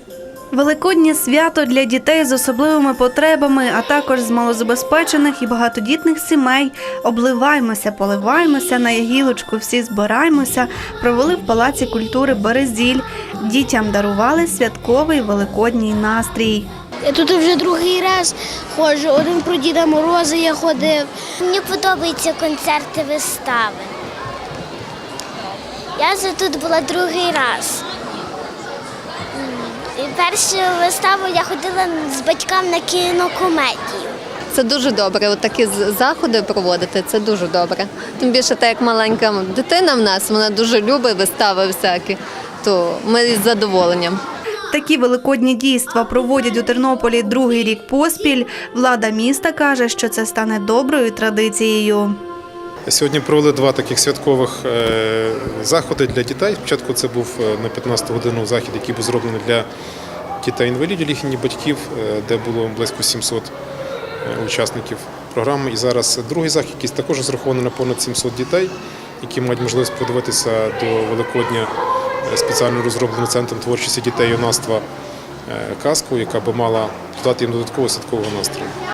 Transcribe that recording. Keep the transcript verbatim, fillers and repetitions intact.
Великоднє свято для дітей з особливими потребами, а також з малозабезпечених і багатодітних сімей. Обливаймося, поливаймося, на Ягілочку всі збираємося, провели в Палаці культури «Березіль». Дітям дарували святковий великодній настрій. Я тут вже другий раз ходжу, один про Діда Мороза я ходив. Мені подобаються концерти, вистави. Я вже тут була другий раз. І першу виставу я ходила з батьками на кінокомедію. Це дуже добре, от такі заходи проводити, це дуже добре. Тим більше, так як маленька дитина в нас, вона дуже любить вистави всякі, то ми з задоволенням. Такі великодні дійства проводять у Тернополі другий рік поспіль. Влада міста каже, що це стане доброю традицією. Сьогодні провели два таких святкових заходи для дітей. Спочатку це був на п'ятнадцяту годину захід, який був зроблений для дітей-інвалідів, їхніх батьків, де було близько сімсот учасників програми. І зараз другий захід, який також розрахований на понад сімсот дітей, які мають можливість подивитися до Великодня спеціально розробленим центром творчості дітей і юнацтва казку, яка би мала додати їм додаткового святкового настрою.